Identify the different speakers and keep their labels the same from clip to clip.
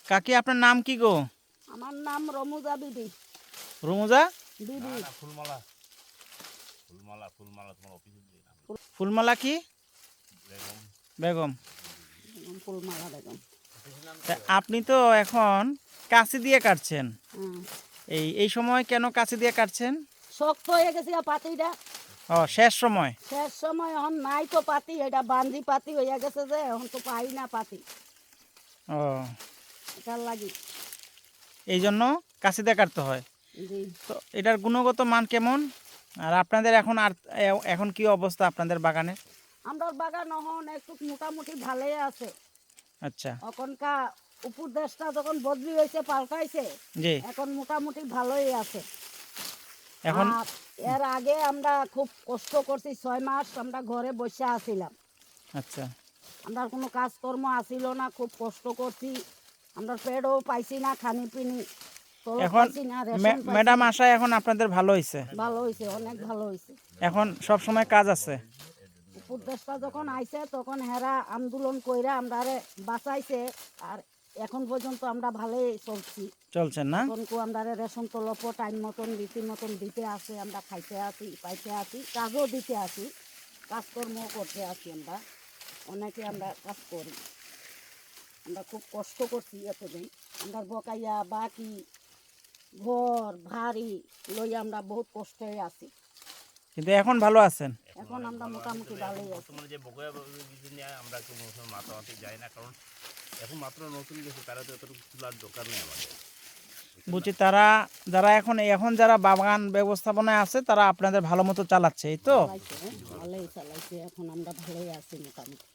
Speaker 1: কাকি আপনার নাম কি গো?
Speaker 2: আমার নাম রমুজা বিবি।
Speaker 1: রুমুজা
Speaker 2: বিবি
Speaker 3: ফুলমালা ফুলমালা ফুলমালা তোমার অফিসের যে নাম
Speaker 1: ফুলমালা কি
Speaker 3: বেগম।
Speaker 1: বেগম।
Speaker 2: ফুলমালা বেগম।
Speaker 1: তা আপনি তো এখন কাঁচি দিয়ে কাটছেন,
Speaker 2: হ্যাঁ,
Speaker 1: এই সময় কেন কাঁচি দিয়ে কাটছেন?
Speaker 2: শক্ত হয়ে গেছে পাতিটা,
Speaker 1: ও শেষ সময়।
Speaker 2: শেষ সময় এখন নাই তো পাতি, এটা বান্দি পাতি হয়ে গেছে যে এখন তো পাই না পাতি,
Speaker 1: ও
Speaker 2: এটার লাগি।
Speaker 1: এই জন্য কাঁচি দিয়ে কাটতে হয়।
Speaker 2: জি,
Speaker 1: তো এটার গুণগত মান কেমন? আর আপনাদের এখন কি অবস্থা আপনাদের বাগানে?
Speaker 2: আমরা বাগান এখন একটু মোটামুটি ভালোই আছে।
Speaker 1: আচ্ছা,
Speaker 2: এখনকা উপর দেশটা যখন বদলি হয়েছে, পাল্টাইছে,
Speaker 1: জি।
Speaker 2: এখন মোটামুটি ভালোই আছে।
Speaker 1: এখন
Speaker 2: আর এর আগে আমরা খুব কষ্ট করছি, 6 মাস আমরা ঘরে বসে আছিলাম,
Speaker 1: আচ্ছা,
Speaker 2: আমরা কোনো কাজকর্ম আসিল না, খুব কষ্ট করছি, আমরা পেটও পাইছি না, খানি পিনি
Speaker 1: এখন
Speaker 2: পাইছি না, রেশন পাইছি
Speaker 1: ম্যাডাম
Speaker 2: না।
Speaker 1: আশায় এখন আপনাদের ভালো হয়েছে,
Speaker 2: ভালো হয়েছে, অনেক ভালো হয়েছে।
Speaker 1: এখন সব সময় কাজ আছে।
Speaker 2: উপর দেশটা যখন আইছে তখন হেরা আন্দোলন কইরা আমরা বাঁচাইছে, আর এখন পর্যন্ত আমরা ভালোই
Speaker 1: চলছেন না?
Speaker 2: এখন আমরা রেশন তলপ টাইম মতন রীতি মতন দিতে আসে, আমরা খাইতে আসি, পাইতে আসি, কাজও দিতে আসি, কাজকর্ম করতে আসি, আমরা অনেকে আমরা কাজ করি। আমরা খুব কষ্ট করছি এতদিন, আমরা বকাইয়া বাকি ঘর ভারী লইয়া আমরা বহুত কষ্টে আছি।
Speaker 1: কিন্তু এখন ভালো আছেন।
Speaker 2: এখন আমরা মোটামুটি ভালোই আছি।
Speaker 3: বর্তমানে যে বকেয়া কিছু নিয়ে আমরা একটু মাতামাতি যাই না, কারণ এখন মাত্র নতুন গেছে, তারা তো এতটুকু তোলার দরকার নেই আমাদের।
Speaker 1: বুঝছি, যারা এখন যারা বাগান ব্যবস্থাপনায় আছে তারা আপনাদের ভালো মতো চালাচ্ছে, এই তো?
Speaker 2: চালাইছে, ভালোই চালাইছে, এখন আমরা ভালোই আছি মোটামুটি।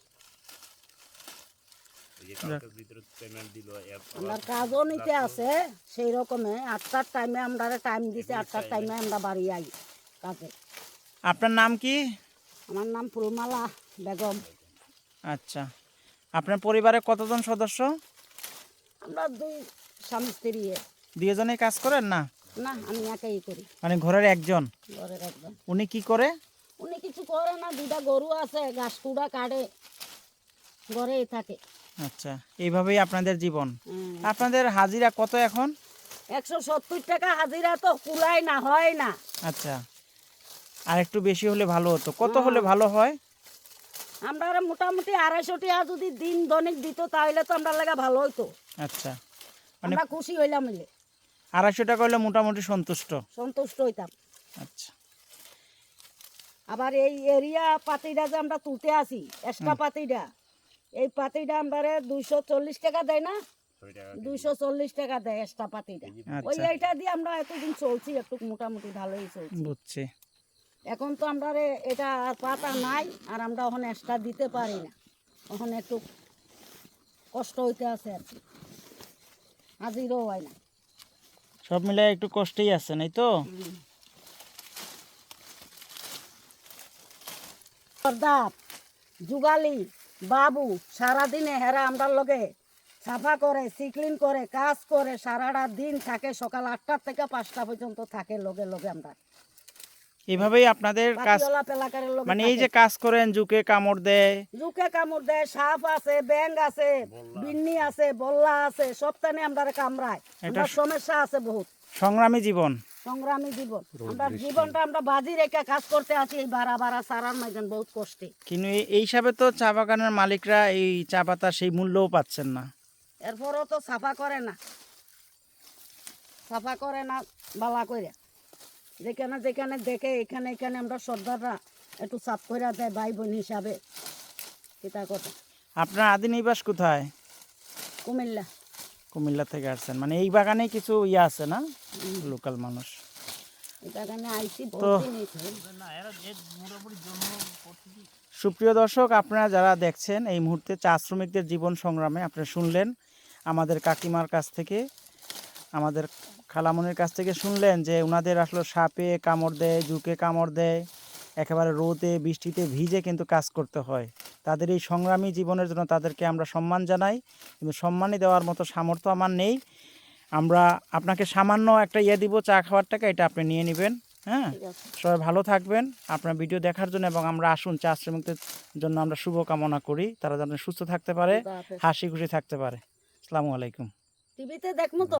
Speaker 3: এই যে কালকের ভিতরে পেমেন্ট দিল,
Speaker 2: আমরা কাজও নিতে আছে সেই রকমে, 8টার টাইমে আমরা টাইম দিছে, 8টার টাইমে আমরা বাড়ি আই কাজে।
Speaker 1: আপনার নাম কি?
Speaker 2: আমার নাম ফুলমালা বেগম।
Speaker 1: আচ্ছা, আপনার পরিবারে কতজন সদস্য?
Speaker 2: আমরা 2 স্বামী স্ত্রী।
Speaker 1: দুজনেই কাজ করেন না?
Speaker 2: না, আমি একাই করি,
Speaker 1: মানে ঘরের একজন?
Speaker 2: ঘরের একদম।
Speaker 1: উনি কি করে?
Speaker 2: উনি কিছু করে না, 2টা গরু আছে, ঘাস কুড়া কাটে, ঘরেই থাকে।
Speaker 1: আচ্ছা, এইভাবেই আপনাদের জীবন।
Speaker 2: হুম।
Speaker 1: আপনাদের হাজিরা কত এখন?
Speaker 2: 170 টাকা হাজিরা তো কুলায় না, হয় না।
Speaker 1: আচ্ছা, আর একটু বেশি হলে ভালো হতো। কত হলে ভালো হয়?
Speaker 2: আমরা মোটামুটি 250 টাকা যদি দিন দৈনিক দিত তাহলে তো আমরা লাগা ভালো হইতো,
Speaker 1: আচ্ছা, মানে
Speaker 2: আমরা খুশি হইলাম, মিলে
Speaker 1: 250 টাকা হলে মোটামুটি
Speaker 2: সন্তুষ্ট হইতাম।
Speaker 1: আচ্ছা,
Speaker 2: আবার এই এরিয়া পাতিটা যে আমরা তুলতে আসি, এক্সট্রা পাতিটা, এই পাতিটা আমরা 240 টাকা দেয় না, 240 টাকা দেয় এক্সট্রা পাতিটা। ওই
Speaker 1: আচ্ছা,
Speaker 2: এইটা দিয়ে আমরা এতদিন চলছি, একটু মোটামুটি ভালোই চলছি।
Speaker 1: বুঝছি।
Speaker 2: এখন তো আমরা এটা আর পাতা নাই, আর আমরা ওখানে এক্সট্রা দিতে পারি না, ওখানে একটু কষ্ট হইতে আছে আর কি, হাজিরও হয় না।
Speaker 1: সব মিলে একটু কষ্টেই আছেন, এই তো?
Speaker 2: সর্দার যুগালি বাবু সারাদিনে হেরা আমরা লগে সাফা করে, সিক্লিন করে, কাজ করে, সারাটা দিন থাকে, সকাল 8টা থেকে 5টা পর্যন্ত থাকে লগে লগে। আমরা
Speaker 1: এইভাবেই আপনাদের কাজ,
Speaker 2: পাতিওয়ালা পেলাকারের লগে
Speaker 1: মানে এই যে কাজ করেন, জুকে কামড় দেয়,
Speaker 2: জুকে কামড় দেয়, সাপ আছে, ব্যাং আছে, বিন্নি আছে, বল্লা আছে, সবটানে আমরা কামড়ায়, আমরা সমস্যা আছে বহুত।
Speaker 1: সংগ্রামী জীবন,
Speaker 2: সংগ্রামী জীবন, আমরা জীবনটা আমরা বাজি রেখে কাজ করতে আছি, এই বাড়া বাড়া সারার মাঝে বহুত কষ্টে।
Speaker 1: কিন্তু এই হিসাবে তো চা বাগানের মালিকরা এই চা পাতা সেই মূল্যও পাচ্ছেন না।
Speaker 2: এরপরও তো সাফা করে না, সাফা করে না বালা করে, যেখানে যেখানে দেখে এখানে এখানে আমরা সর্দাররা একটু সাফ করে দেয় ভাই বোন হিসাবে। এটা কথা।
Speaker 1: আপনার আদি নিবাস কোথায়?
Speaker 2: কুমিল্লা।
Speaker 1: কুমিল্লা থেকে আসছেন, মানে এই বাগানে কিছু আছে না, লোকাল মানুষ?
Speaker 2: এখানে আইসি
Speaker 1: তো
Speaker 2: বহুদিন হয়েছে।
Speaker 1: সুপ্রিয় দর্শক, আপনারা যারা দেখছেন এই মুহূর্তে চা শ্রমিকদের জীবন সংগ্রামে, আপনারা শুনলেন আমাদের কাকিমার কাছ থেকে, আমাদের খালামনির কাছ থেকে শুনলেন যে ওনাদের আসলে সাপে কামড় দেয়, জুকে কামড় দেয়, একেবারে রোদে বৃষ্টিতে ভিজে কিন্তু কাজ করতে হয়। তাদের এই সংগ্রামী জীবনের জন্য তাদেরকে আমরা সম্মান জানাই, কিন্তু সম্মানই দেওয়ার মতো সামর্থ্য আমার নেই। আমরা আপনাকে সামান্য একটা দিব, চা খাওয়ার টাকা, এটা আপনি নিয়ে নেবেন। হ্যাঁ, সবাই ভালো থাকবেন আপনার ভিডিও দেখার জন্য, এবং আমরা আসুন চা শ্রমিকদের জন্য আমরা শুভ কামনা করি, তারা যেন সুস্থ থাকতে পারে, হাসি খুশি থাকতে পারে। আসসালামু আলাইকুম।
Speaker 2: টিভিতে দেখবো তো।